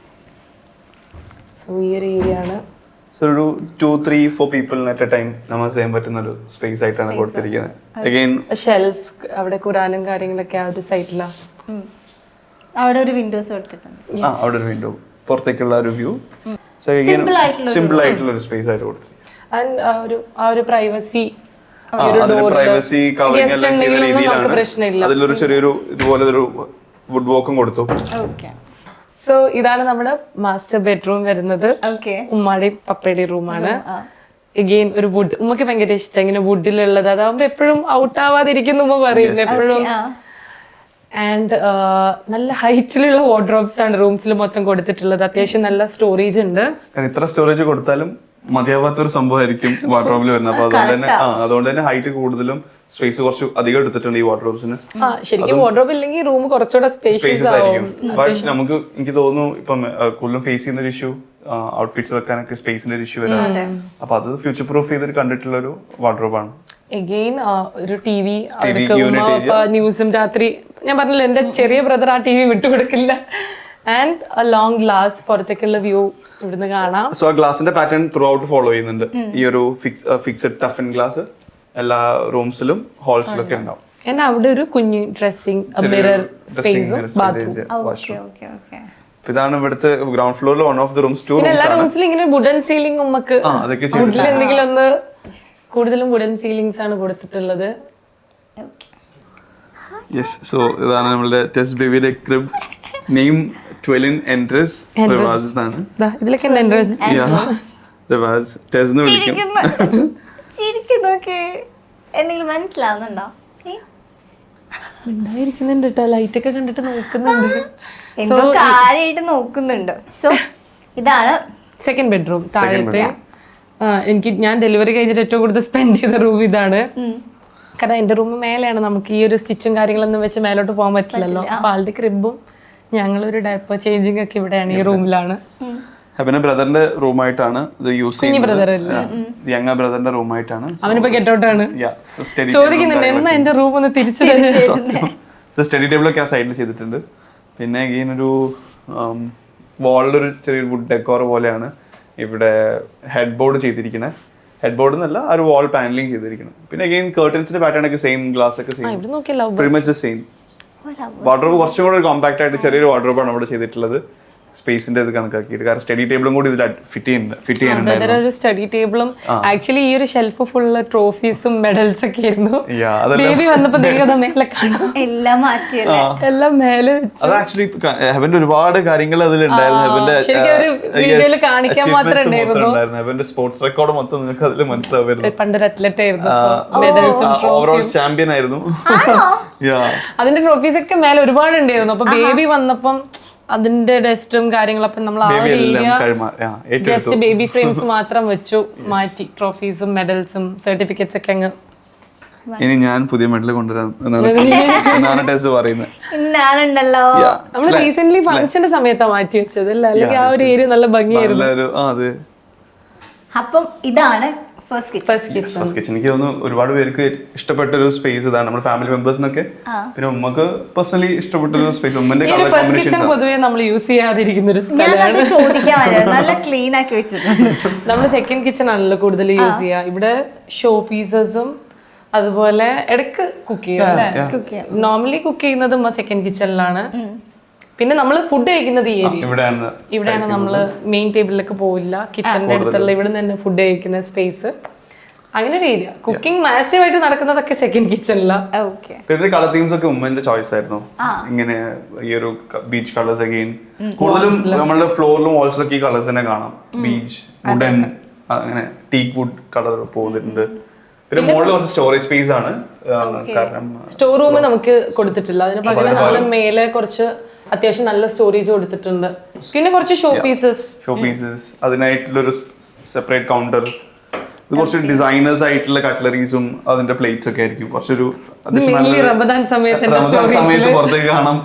S1: സോ ഈ ഒരു ഏരിയ ആണ്.
S3: സോ ഒരു ടു ത്രീ ഫോർ പീപ്പിളിന് അറ്റ് എ ടൈം നമാസ് ചെയ്യാൻ പറ്റുന്ന ഒരു സ്പേസ് ആയിട്ടാണ് കൊടുത്തിരിക്കുന്നത്. അഗൈൻ
S1: ഷെൽഫ്, അവിടെ ഖുറാനും കാര്യങ്ങളൊക്കെ ആ ഒരു സൈഡിലാണ്.
S2: അവിടെ ഒരു വിൻഡോസ് കൊടുത്തിട്ടുണ്ട്.
S3: ആ അവിടെ ഒരു വിൻഡോ, പുറത്തേക്കുള്ള ഒരു വ്യൂ. സോ അഗൈൻ സിമ്പിൾ ആയിട്ടുള്ള ഒരു സ്പേസ് ആയിട്ട് കൊടുത്തിരിക്കുന്നത്.
S1: ആൻഡ് ആ ഒരു ആ ഒരു പ്രൈവസി,
S3: പ്രൈവസി കവറിംഗ് എല്ലാം ചെയ്ത രീതിയിലാണ്. അതിലൊരു ചെറിയൊരു ഇതുപോലെ ഒരു വുഡ് വോക്കും കൊടുത്തു.
S2: ഓക്കെ
S1: സോ ഇതാണ് നമ്മുടെ മാസ്റ്റർ ബെഡ്റൂം വരുന്നത്. ഉമ്മാടെയും പപ്പയുടെയും റൂമാണ്. എഗെയിൻ ഒരു വുഡ്, ഉമ്മക്ക് ഭയങ്കര ഇഷ്ടം ഇങ്ങനെ വുഡിലുള്ളത്. അതാവുമ്പോ എപ്പോഴും ഔട്ട് ആവാതിരിക്കുന്നു ഉമ്മ പറയുന്നത് എപ്പോഴും. ആൻഡ് നല്ല ഹൈറ്റിലുള്ള വാർഡ്രോബ്സ് ആണ് റൂംസിൽ മൊത്തം കൊടുത്തിട്ടുള്ളത്. അത്യാവശ്യം നല്ല സ്റ്റോറേജ് ഉണ്ട്.
S3: ഇത്ര സ്റ്റോറേജ് കൊടുത്താലും മതിയാവാത്തൊരു സംഭവമായിരിക്കും വാർഡ്രോബിൽ വരുന്നത്. അപ്പൊ അതുകൊണ്ട് തന്നെ ആ അതുകൊണ്ട് തന്നെ ഹൈറ്റ് കൂടുതലും സ്പേസ് കുറച്ച് അധികം എടുത്തിട്ടുണ്ട് ഈ വാർഡ്രോബ്സിന്.
S1: ശരിക്കും വാർഡ്രോബ് ഇല്ലെങ്കിൽ റൂം കുറച്ചുകൂടെ സ്പേഷ്യസ് ആയിരിക്കും.
S3: പക്ഷെ നമുക്ക് എനിക്ക് തോന്നുന്നു ഇപ്പം കൂടുതലും ഫേസ് ചെയ്യുന്ന ഒരു ഇഷ്യൂ ഔട്ട്ഫിറ്റ്സ് വെക്കാനൊക്കെ സ്പേസിന്റെ ഒരു ഇഷ്യൂ വരാം. അപ്പൊ അത് ഫ്യൂച്ചർ പ്രൂഫ് ചെയ്തിട്ട് കണ്ടിട്ടുള്ള ഒരു വാർഡ്രോബാണ്.
S1: എഗെയിൻ ഒരു ടി വി, ന്യൂസും രാത്രി ഞാൻ പറഞ്ഞില്ല എന്റെ ചെറിയ ബ്രദർ ആ ടി വി വിട്ടുകൊടുക്കില്ല. ആൻഡ് എ ലോങ് ഗ്ലാസ്, പുറത്തേക്കുള്ള വ്യൂ ഇവിടുന്ന് കാണാം.
S3: സോ ആ ഗ്ലാസിന്റെ പാറ്റേൺ ത്രൂ ഔട്ട് ഫോളോ ചെയ്യുന്നുണ്ട്. ഈ ഒരു ഫിക്സഡ് ടഫൻ ഗ്ലാസ് എല്ലാ റൂംസിലും ഹോൾസിലും ഒക്കെ ഉണ്ടാവും.
S1: എന്നാ അവിടെ ഒരു കുഞ്ഞു ഡ്രസ്സിംഗ് മിറർ സ്പേസും ബാത്റൂം.
S3: ഇതാണ് ഇവിടുത്തെ ഗ്രൗണ്ട് ഫ്ലോറിൽ one of the rooms. Two rooms
S1: എല്ലാ റൂംസിലും ഇങ്ങനെ വുഡൻ സീലിംഗ് നമുക്ക് വുഡിൽ എന്തെങ്കിലും ഒന്ന് കൂടുതലും വുഡൻ സീലിംഗ്സ് ആണ് കൊടുത്തിട്ടുള്ളത്.
S3: യെസ്, സോ ഇതാണ് നമ്മുടെ ടെസ് ബേബിയുടെ ക്രിബ്. നെയിം ട്വെലിൻ എൻട്രസ് റിവാസ് ആണ്.
S1: ഇതിലൊക്കെ എൻട്രസ്
S3: റിവാസ് ടെസ് എന്ന് വിളിക്കും.
S2: ചിരിക്കുന്നൊക്കെ എന്തെങ്കിലും മനസ്സിലാവുന്നുണ്ടോ?
S1: ഉണ്ടായിരിക്കുന്നുണ്ട് കേട്ടോ, ലൈറ്റ് ഒക്കെ കണ്ടിട്ട് നോക്കുന്നുണ്ട്,
S2: എന്തോ കാര്യമായിട്ട് നോക്കുന്നുണ്ട്. സോ ഇതാണ്
S1: സെക്കൻഡ് ബെഡ്റൂം താഴത്തെ. എനിക്ക് ഞാൻ ഡെലിവറി കഴിഞ്ഞിട്ട് ഏറ്റവും കൂടുതൽ സ്പെൻഡ് ചെയ്ത റൂം ഇതാണ്. കാരണം എൻ്റെ റൂം മേലെയാണ്, നമുക്ക് ഈ ഒരു സ്റ്റിച്ചും കാര്യങ്ങളൊന്നും വെച്ച് മേലോട്ട് പോകാൻ പറ്റില്ലല്ലോ. അപ്പൊ ആളുടെ ക്രിബും ഞങ്ങളൊരു ഡയപ്പർ ചേഞ്ചിങ് ഒക്കെ ഇവിടെയാണ്, ഈ റൂമിലാണ്.
S3: ഹെബന്റെ ബ്രദറിന്റെ റൂമായിട്ടാണ് ഇത് യൂസ് ചെയ്യുന്നത്. യങ്ങ ബ്രദറിന്റെ റൂമായിട്ടാണ്.
S1: അവനിപ്പോ ഗെറ്റ് ഔട്ട് ആണ്. ചോദിക്കുന്നുണ്ട് എന്നാ എന്റെ റൂം ഒന്ന് തിരിച്ചു
S3: സ്റ്റഡി ടേബിളൊക്കെ ആ സൈഡിൽ ചെയ്തിട്ടുണ്ട്. പിന്നെ അഗെയിൻ ഒരു വാളിലൊരു ചെറിയൊരു വുഡ് ഡെക്കോർ പോലെയാണ് ഇവിടെ ഹെഡ് ബോർഡ് ചെയ്തിരിക്കുന്നത്. ഹെഡ് ബോർഡ് എന്നല്ല, ആ ഒരു വാൾ പാനലിംഗ് ചെയ്തിരിക്കുന്നത്. പിന്നെ അഗെയിൻ കർട്ടൻസിന്റെ പാറ്റേൺ ഒക്കെ സെയിം, ഗ്ലാസ് ഒക്കെ same, pretty much same. Wardrobe കുറച്ചും കൂടെ കോമ്പാക്ട് ആയിട്ട് ചെറിയൊരു വാർഡ്രോബാണ് ഇവിടെ ചെയ്തിട്ടുള്ളത്, സ്പേസിന്റെ ഇത് കണക്കാക്കിയിട്ട്. കാരണം സ്റ്റഡി ടേബിളും കൂടി ഇതിൽ ഫിറ്റ് ചെയ്യുന്നുണ്ട് ഫിറ്റ് ചെയ്യാനുണ്ടായിരുന്നു.
S1: ഒരു സ്റ്റഡി ടേബിളും ആക്ച്വലി ഈ ഒരു ഷെൽഫ് ഫുള്ള് ട്രോഫീസും മെഡൽസ് ഒക്കെ ആയിരുന്നു. ബേബി വന്നപ്പോ മേലെ
S2: എല്ലാം മാറ്റി
S1: എല്ലാം മേലെ വെച്ചു.
S3: അത് ആക്ച്വലി ഹെബന്റെ ഒരുപാട് കാര്യങ്ങൾ അതിലുണ്ടായിരുന്നു. ഹെബന്റെ
S1: കാണിക്കാൻ മാത്രമേ ഉണ്ടായിരുന്നു.
S3: ഹെബന്റെ സ്പോർട്സ് റെക്കോർഡ് മൊത്തം നിങ്ങൾക്ക് അതിൽ മനസ്സിലാവുമായിരുന്നു.
S1: പണ്ടൊരു അത്ലറ്റ് ആയിരുന്നു,
S3: ഓവറോൾ ചാമ്പ്യൻ ആയിരുന്നു.
S1: അതിന്റെ ട്രോഫീസ് ഒക്കെ മേലെ ഒരുപാട് ഉണ്ടായിരുന്നു. അപ്പൊ ബേബി വന്നപ്പം അതിന്റെ ഡസ്റ്റും കാര്യങ്ങളൊക്കെ നമ്മൾ ആ ഒരു ഏരിയ ജസ്റ്റ് ബേബി ഫ്രെയിംസ് മാത്രം വെച്ചു മാറ്റി. ട്രോഫീസും മെഡൽസും സർട്ടിഫിക്കറ്റ്സ് ഒക്കെ അങ്ങ്.
S3: ഇനി ഞാൻ പുതിയ മെഡൽ കൊണ്ടുവരാൻ പറയുന്നത്.
S1: നമ്മൾ റീസെന്റ് ഫംഗ്ഷന്റെ സമയത്താ മാറ്റി വെച്ചത് അല്ലേ? അല്ലെങ്കിൽ ആ ഒരു ഏരിയ നല്ല ഭംഗിയായിരുന്നു.
S2: അപ്പം ഇതാണ് ഫസ്റ്റ്
S3: കിച്ചൺ. എനിക്ക് തോന്നുന്നു ഒരുപാട് പേർക്ക് ഇഷ്ടപ്പെട്ട ഒരു സ്പേസ് ഇതാണ്, നമ്മുടെ ഫാമിലി മെമ്പേഴ്സിനൊക്കെ. പിന്നെ ഉമ്മക്ക് പേഴ്സണലി ഇഷ്ടപ്പെട്ട ഒരു സ്പേസ്. ഉമ്മന്റെ കളർ കോമ്പിനേഷൻ
S1: പൊതുവെ നമ്മൾ യൂസ് ചെയ്യാതിരിക്കുന്ന ഒരു സ്ഥലമാണ്.
S2: നല്ല ക്ലീൻ ആക്കി വെച്ചിട്ടുണ്ട്.
S1: നമ്മൾ സെക്കൻഡ് കിച്ചൺ ആണല്ലോ കൂടുതൽ യൂസ് ചെയ്യുക. ഇവിടെ ഷോ പീസസും അതുപോലെ ഇടയ്ക്ക് കുക്ക് ചെയ്യും അല്ലേ? നോർമലി കുക്ക് ചെയ്യുന്നത് സെക്കൻഡ് കിച്ചണിലാണ്. പിന്നെ നമ്മൾ ഫുഡ് കഴിക്കുന്നത് ഈ ഏരിയ ഇവിടെയാണ്. നമ്മൾ മെയിൻ ടേബിളിലേക്ക് പോവില്ല, കിച്ചണിന്റെ അടുത്തുള്ള ഇവിടെ നിന്ന് ഫുഡ് കഴിക്കുന്ന സ്പേസ്. അങ്ങനെ ഒരു ഏരിയ. കുക്കിംഗ് മാസീവ് ആയിട്ട് നടക്കുന്നതൊക്കെ സെക്കൻഡ് കിച്ചണിലാണ്.
S3: കളർ തീംസ് ഒക്കെ ഉമ്മന്റെ ചോയ്സ് ആയിരുന്നു. ഇങ്ങനെ ഈ ഒരു ബീച്ച് കളേഴ്സ് അഗെയിൻ കൂടുതലും നമ്മളുടെ ഫ്ലോറിലും വാൾസിലൊക്കെ ഈ കളേഴ്സ് തന്നെ കാണാം. ബീച്ച്, വുഡൻ, അങ്ങനെ ടീക്ക് വുഡ് കളർ പോകുന്നുണ്ട്. പിന്നെ മുകളിൽ കുറച്ച് സ്റ്റോറേജ് സ്പേസ് ആണ്. കാരണം
S1: സ്റ്റോർ റൂം നമുക്ക് കൊടുത്തിട്ടില്ല, അതിന് പകരം നമ്മൾ മേലെ കുറച്ച് അത്യാവശ്യം നല്ല സ്റ്റോറേജ് കൊടുത്തിട്ടുണ്ട്. പിന്നെ കുറച്ച് ഷോ പീസസ്
S3: ഷോ പീസസ് അതിനായിട്ടുള്ള ഒരു സെപ്പറേറ്റ് കൗണ്ടർ. ഇത് കുറച്ച് ഡിസൈനേഴ്സ് ആയിട്ടുള്ള കട്ട്ലറീസും അതിന്റെ പ്ലേറ്റ്സ് ഒക്കെ ആയിരിക്കും. കുറച്ചൊരു
S1: റമദാൻ സമയത്ത്
S3: പുറത്തേക്ക് കാണാം.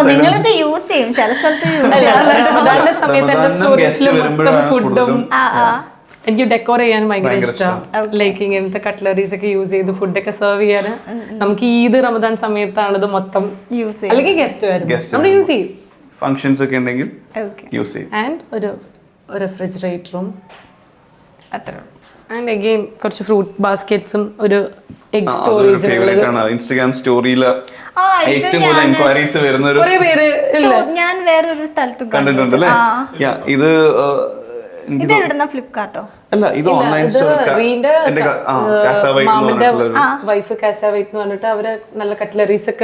S1: ഫുഡും എനിക്ക് ഡെക്കോർ ചെയ്യാൻ ഭയങ്കര ഇഷ്ടമാണ്. ലൈക്ക് ഇങ്ങനത്തെ കട്ട്ലറീസ് ഒക്കെ യൂസ് ചെയ്ത് ഫുഡൊക്കെ സെർവ് ചെയ്യാൻ. നമുക്ക് ഈദ് റമദാൻ സമയത്താണ് ഇത് മൊത്തം യൂസ് അല്ലെങ്കിൽ ഗസ്റ്റ് വരും, നമ്മൾ യൂസ് ചെയ്യും.
S3: ഫംഗ്ഷൻസ് ഒക്കെ ഉണ്ടെങ്കിൽ യൂസ് ചെയ്യും.
S1: ആൻഡ് ഒരു റെഫ്രിജറേറ്ററും അത്ര. ആൻഡ് അഗെയിൻ കുറച്ച് ഫ്രൂട്ട് ബാസ്കറ്റ്സും ഒരു എഗ് സ്റ്റോറേജ്.
S3: ഇൻസ്റ്റാഗ്രാം സ്റ്റോറിയിൽ ഏറ്റവും കൂടുതൽ എൻക്വയറീസ് വരുന്ന ഒരു
S2: ഞാൻ വേറൊരു സ്ഥലത്ത്
S3: കണ്ടിട്ടുണ്ട് അല്ലേ? ഇത്
S2: ഫ്ലിപ്കാർട്ടോ
S3: അല്ല, ഇത് ഓൺലൈൻ
S1: വൈഫ് കാസാവൈറ്റ് എന്ന് പറഞ്ഞിട്ട് അവര് നല്ല കട്ട്ലറീസ് ഒക്കെ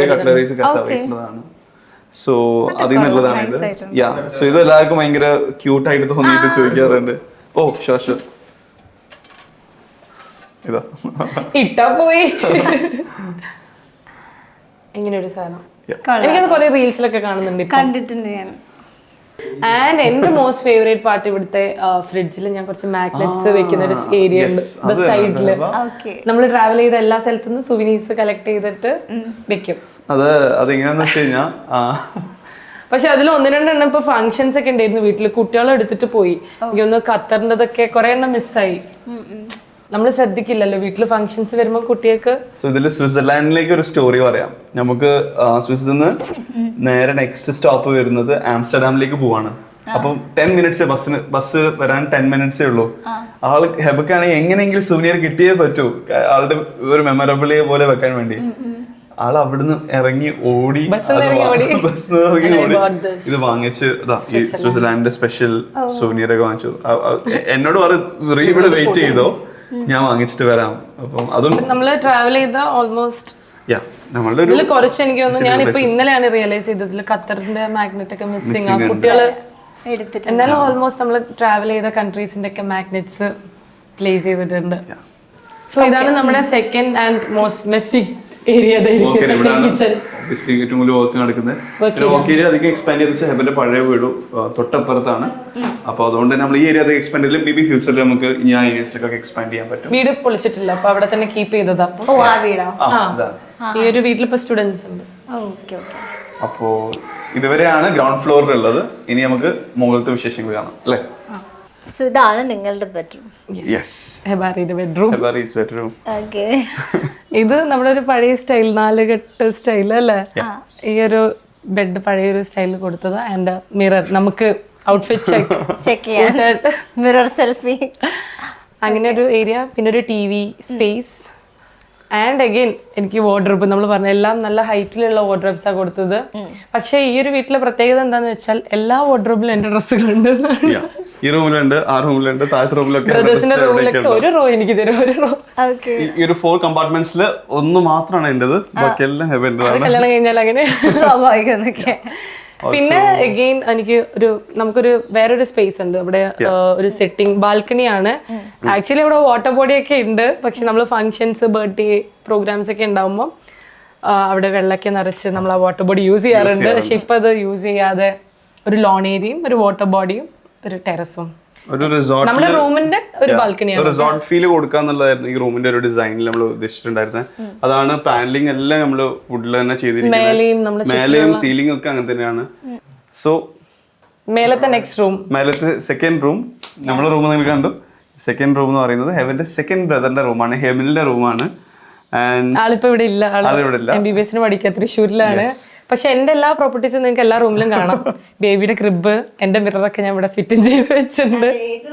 S3: സോ അതിൽ നിന്നുള്ളതാണ് ഇത്. യാ സോ ഇത് എല്ലാവർക്കും ഭയങ്കര ക്യൂട്ട് ആയിട്ട് തോന്നിയിട്ട് ചോദിക്കാറുണ്ട്. ഓ ഷുവർ ഷുവർ ഇതാ
S1: ഇട്ടാ പോയി ഇങ്ങനെ ഒരു സാധനം. എനിക്കത് കുറെ റീൽസിലൊക്കെ കാണുന്നുണ്ട്, കണ്ടിട്ടുണ്ട് ഞാൻ. ആൻഡ് എന്റെ മോസ്റ്റ് ഫേവറേറ്റ് പാർട്ട് ഇവിടുത്തെ ഫ്രിഡ്ജിൽ ഞാൻ കുറച്ച് മാഗ്നറ്റ്സ് വെക്കുന്ന ഒരു ഏരിയ ഉണ്ട് സൈഡില്. നമ്മൾ ട്രാവൽ ചെയ്ത എല്ലാ സ്ഥലത്തുനിന്നും സുവിനീസ് കളക്ട് ചെയ്തിട്ട് വെക്കും.
S3: അത് അതെങ്ങനെയാന്ന് വെച്ച് കഴിഞ്ഞാൽ
S1: പക്ഷെ അതിൽ ഒന്ന് രണ്ടെണ്ണം ഇപ്പൊ ഫംഗ്ഷൻസ് ഒക്കെ ഉണ്ടായിരുന്നു വീട്ടില്, കുട്ടികളെ എടുത്തിട്ട് പോയി. എനിക്കൊന്ന് ഖത്തറിൻ്റെതൊക്കെ കുറെ എണ്ണം മിസ്സായി. നമ്മൾ ശ്രദ്ധിക്കില്ലല്ലോ വീട്ടില് ഫംഗ്ഷൻസ് വരുമ്പോൾ കുട്ടികൾക്ക്.
S3: സോ ഇതില് സ്വിറ്റ്സർലാൻഡിലേക്ക് ഒരു സ്റ്റോറി പറയാം. നമുക്ക് സ്വിസ്സിൽ നിന്ന് നേരെ നെക്സ്റ്റ് സ്റ്റോപ്പ് വരുന്നത് ആംസ്റ്റർഡാമിലേക്ക് പോവാണ്. അപ്പം ടെൻ മിനിറ്റ്സ് ബസ്സിന് ബസ് വരാൻ ടെൻ മിനിറ്റ്സേ ഉള്ളൂ. ആള് ഹെബക്കാണെങ്കിൽ എങ്ങനെയെങ്കിലും സുവനിയർ കിട്ടിയേ പറ്റൂ, ആളുടെ ഒരു മെമ്മറബിൾ പോലെ വെക്കാൻ വേണ്ടി. ആൾ അവിടുന്ന് ഇറങ്ങി ഓടി ബസ്സിൽ ഇറങ്ങി ഓടി ഇത് വാങ്ങിച്ച് ഈ സ്വിറ്റ്സർലാൻഡിന്റെ സ്പെഷ്യൽ സുവനിയർ ഒക്കെ വാങ്ങിച്ചു. എന്നോട് പറ ഇവിടെ വെയിറ്റ് ചെയ്തോ, ഞാൻ വാങ്ങിച്ചിട്ട് വരാം. അപ്പം അതും
S1: നമ്മള് ട്രാവൽ ചെയ്ത ഓൾമോസ്റ്റ് ഇതില് കുറച്ച് എനിക്ക് തോന്നുന്നു. ഞാനിപ്പോ ഇന്നലെയാണ് റിയലൈസ് ചെയ്തതിൽ ഖത്തറിന്റെ മാഗ്നറ്റ് ഒക്കെ മിസ്സിംഗ് ആ കുട്ടികള്. എന്നാലും ഓൾമോസ്റ്റ് നമ്മൾ ട്രാവൽ ചെയ്ത കൺട്രീസിന്റെ ഒക്കെ മാഗ്നറ്റ്സ് പ്ലേസ് ചെയ്തിട്ടുണ്ട്. സോ ഇതാണ് നമ്മുടെ second and most messy area kitchen
S3: obviously ഏറ്റവും കൂടുതൽ വർക്ക് നടക്കുന്നത്. പിന്നെ വർക്ക് ഏരിയ അധികം എക്സ്പാൻഡ് ചെയ്ത് വെച്ചാൽ ഹെബന്റെ പഴയ വീട് തൊട്ടപ്പുറത്താണ്. അപ്പോൾ അതുകൊണ്ട് നമ്മൾ ഈ ഏരിയ അധികം എക്സ്പാൻഡ് ചെയ്തില്ല. മേ ബി ഫ്യൂച്ചറിൽ നമുക്ക് ഈ ആ ഏരിയസിലൊക്കെ എക്സ്പാൻഡ് ചെയ്യാൻ പറ്റും.
S1: വീട് പൊളിച്ചിട്ടില്ല, അപ്പൊ അവിടെ തന്നെ കീപ്പ് ചെയ്തതാ.
S2: ഓ ആ വീടോ?
S1: ഈ ഒരു വീട്ടിൽ ഇപ്പൊ സ്റ്റുഡൻസ് ഉണ്ട്.
S2: Okay okay.
S3: അപ്പോ ഇതുവരെയാണ് ഗ്രൗണ്ട് ഫ്ലോറിലുള്ളത്. ഇനി നമുക്ക് മുകളിലത്തെ വിശേഷങ്ങൾ കാണാം അല്ലേ?
S2: സോ ഇതാണ് നിങ്ങളുടെ ബെഡ്റൂം.
S3: യെസ്,
S1: ഹെബാരിയുടെ ബെഡ്റൂം.
S3: ഹെബാരിസ് ബെഡ്റൂം.
S2: ഓക്കെ.
S1: ഇത് നമ്മുടെ ഒരു പഴയ സ്റ്റൈൽ, നാലുകെട്ട് സ്റ്റൈൽ അല്ലേ? ഈ ഒരു ബെഡ് പഴയൊരു സ്റ്റൈലിൽ കൊടുത്തത്. ആൻഡ് മിറർ, നമുക്ക് ഔട്ട്ഫിറ്റ് ചെക്ക്
S2: ചെക്ക് ചെയ്യാൻ മിറർ സെൽഫി,
S1: അങ്ങനെ ഒരു ഏരിയ. പിന്നെ ഒരു T V space. And again എനിക്ക് വാർഡ്രോബ്, നമ്മൾ പറഞ്ഞ എല്ലാം നല്ല ഹൈറ്റിലുള്ള വാർഡ്രോബ്സാണ് കൊടുത്തത്. പക്ഷേ ഈ ഒരു വീട്ടിലെ പ്രത്യേകത എന്താന്ന് വെച്ചാൽ എല്ലാ വാർഡ്രോബിലും എന്റെ ഡ്രസ്സുകളുണ്ട്.
S3: ഈ റൂമിലുണ്ട്, ആ റൂമിലുണ്ട്, താഴത്തെ റൂമിലൊക്കെ.
S1: ബ്രദേഴ്സിന്റെ റൂമിലൊക്കെ ഒരു റോ എനിക്ക് തരും, ഒരു റോ.
S3: ഈ ഒരു ഫോർ കമ്പാർട്ട്മെന്റ്സിൽ ഒന്ന് മാത്രമാണ് എന്റേത്, ബാക്കി എല്ലാം ഹെബന്റേതാണ്.
S1: കല്യാണം കഴിഞ്ഞാൽ അങ്ങനെ
S2: സ്വാഭാവികം.
S1: പിന്നെ അഗെയിൻ എനിക്ക് ഒരു നമുക്കൊരു വേറൊരു സ്പേസ് ഉണ്ട് ഇവിടെ, ഒരു സെറ്റിംഗ് ബാൽക്കണിയാണ്. ആക്ച്വലി ഇവിടെ വാട്ടർ ബോഡി ഒക്കെ ഉണ്ട്, പക്ഷെ നമ്മൾ ഫങ്ഷൻസ്, ബർത്ത്ഡേ പ്രോഗ്രാംസ് ഒക്കെ ഉണ്ടാവുമ്പോൾ അവിടെ വെള്ളമൊക്കെ നിറച്ച് നമ്മൾ ആ വാട്ടർ ബോഡി യൂസ് ചെയ്യാറുണ്ട്. പക്ഷെ ഇപ്പൊ അത് യൂസ് ചെയ്യാതെ ഒരു ലോൺ ഏരിയയും ഒരു വാട്ടർ ബോഡിയും ഒരു ടെറസും
S3: ഒരു റിസോർട്ട്,
S1: നമ്മുടെ റൂമിന്റെ ഒരു ബാൽക്കണിയാണ്.
S3: റിസോർട്ട് ഫീൽ കൊടുക്കാന്നുള്ളതായിരുന്നു ഈ റൂമിന്റെ ഒരു ഡിസൈനിൽ നമ്മൾ ഉദ്ദേശിച്ചിട്ടുണ്ടായിരുന്നത്. അതാണ് പാനലിംഗ് എല്ലാം നമ്മൾ വുഡിൽ തന്നെ ചെയ്തിരിക്കുന്നത്. മേലെയും സീലിംഗ് ഒക്കെ അങ്ങനെ തന്നെയാണ്. സോ
S1: മേലത്തെ നെക്സ്റ്റ് റൂം,
S3: മേലത്തെ സെക്കൻഡ് റൂം, നമ്മുടെ റൂം നിങ്ങൾ കണ്ടു. സെക്കൻഡ് റൂം എന്ന് പറയുന്നത് ഹെവന്റെ സെക്കൻഡ് ബ്രദറിന്റെ റൂമാണ്, ഹെമിലിന്റെ റൂമാണ്.
S1: ആളിപ്പോ ഇവിടെ ഇല്ല, എം ബി ബി എസിന് പഠിക്കുക തൃശ്ശൂരിലാണ്. പക്ഷെ എന്റെ എല്ലാ പ്രോപ്പർട്ടീസും നിങ്ങൾക്ക് എല്ലാ റൂമിലും കാണാം. ബേബിയുടെ ക്രിബ്, എന്റെ മിററൊക്കെ ഞാൻ ഇവിടെ ഫിറ്റിംഗ് ചെയ്ത് വെച്ചിട്ടുണ്ട്.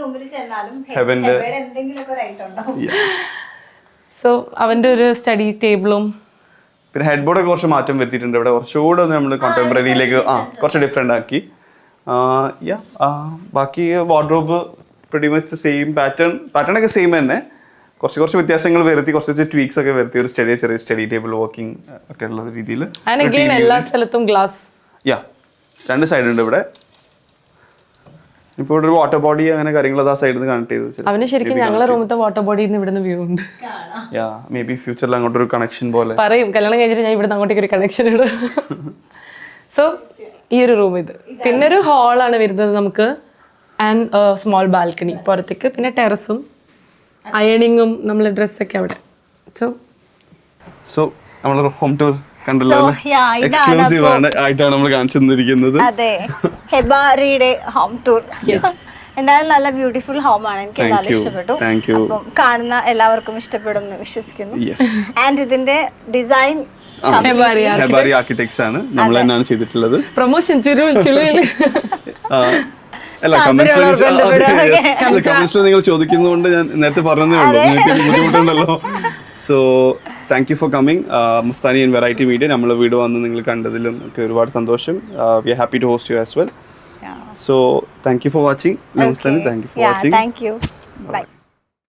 S1: സോ അവന്റെ ഒരു സ്റ്റഡി ടേബിളും
S3: പിന്നെ ഹെഡ് ബോർഡൊക്കെ കുറച്ച് മാറ്റം വരുത്തിയിട്ടുണ്ട്. ഇവിടെ കുറച്ചുകൂടെ നമ്മൾ കോണ്ടംപററിയിലേക്ക് ആ കുറച്ച് ഡിഫറെന്റ് ആക്കി. യാ ബാക്കി wardrobe pretty much same pattern pattern ഒക്കെ സെയിം തന്നെ. കുറച്ച് കുറച്ച് വ്യത്യാസങ്ങൾ വരുത്തി, കുറച്ച് ട്വീക്സ് ഒക്കെ വരുത്തി, ഒരു സ്റ്റഡി ചെറിയ സ്റ്റഡി ടേബിൾ വർക്കിംഗ് ഒക്കെ ഉള്ള രീതിയിൽ.
S1: എല്ലാ സ്ഥലത്തും ഗ്ലാസ്.
S3: യാ രണ്ട് സൈഡ് ഉണ്ട് ഇവിടെ. ഇപ്പോൾ ഇവിടെ ഒരു വാട്ടർ ബോഡി അങ്ങനെ കാര്യങ്ങൾ ആ സൈഡിൽ നിന്ന് കണക്ട് ചെയ്ത്
S1: അവന് ശരിക്കും ഞങ്ങളുടെ റൂമിലത്തെ വാട്ടർ ബോഡിയിൽ നിന്ന് ഇവിടുന്ന് വ്യൂ ഉണ്ട്.
S3: യാ മേ ബി ഫ്യൂച്ചറിൽ അങ്ങോട്ട് ഒരു കണക്ഷൻ പോലെ
S1: പറയും, കല്യാണം കഴിഞ്ഞിട്ട് ഞാൻ ഇവിടുന്ന് അങ്ങോട്ടേക്ക് ഒരു കണക്ഷൻ ഇടും. സോ ഈ ഒരു റൂം ഇത്. പിന്നെ ഒരു ഹാളാണ് വരുന്നത് നമുക്ക്, ആൻഡ് സ്മോൾ ബാൽക്കണി പുറത്തേക്ക്. പിന്നെ ടെറസും അയണിങ്ങും നമ്മളെ ഡ്രസ്സൊക്കെ അവിടെ. സോ
S3: സോ നമ്മളൊരു ഹോം ടൂർ കണ്ടല്ലോ, എക്സ്ക്ലൂസീവ് ആണ് ആയിട്ടാണ് നമ്മൾ കാണിച്ചു തന്നിരിക്കുന്നത്.
S2: അതെ, ഹെബാരിയുടെ ഹോം ടൂർ. എന്തായാലും നല്ല ബ്യൂട്ടിഫുൾ ഹോം ആണ്, എനിക്ക് എന്തായാലും ഇഷ്ടപ്പെട്ടു. അപ്പം കാണുന്ന എല്ലാവർക്കും ഇഷ്ടപ്പെടും എന്ന് വിശ്വസിക്കുന്നു. ആൻഡ് ഇതിന്റെ ഡിസൈൻ
S3: ഹെബാരി ആർക്കിടെക്ട്സ് ആണ്, നമ്മൾ തന്നെയാണ് ചെയ്തിട്ടുള്ളത്.
S1: പ്രൊമോഷൻ
S3: അല്ല, കമന്റ്സിൽ നിങ്ങൾ ചോദിക്കുന്നതുകൊണ്ട് ഞാൻ നേരത്തെ പറഞ്ഞതേ ഉള്ളൂ, നിങ്ങൾക്ക് ബുദ്ധിമുട്ടുണ്ടല്ലോ. So thank you for coming Mastani and variety media. നമ്മളെ വീട് വന്ന് നിങ്ങൾ കണ്ടതിലും ഒക്കെ ഒരുപാട് സന്തോഷം. We are happy to host you as well. So thank you for watching. Mastani, thank you for watching.
S2: Thank you. By.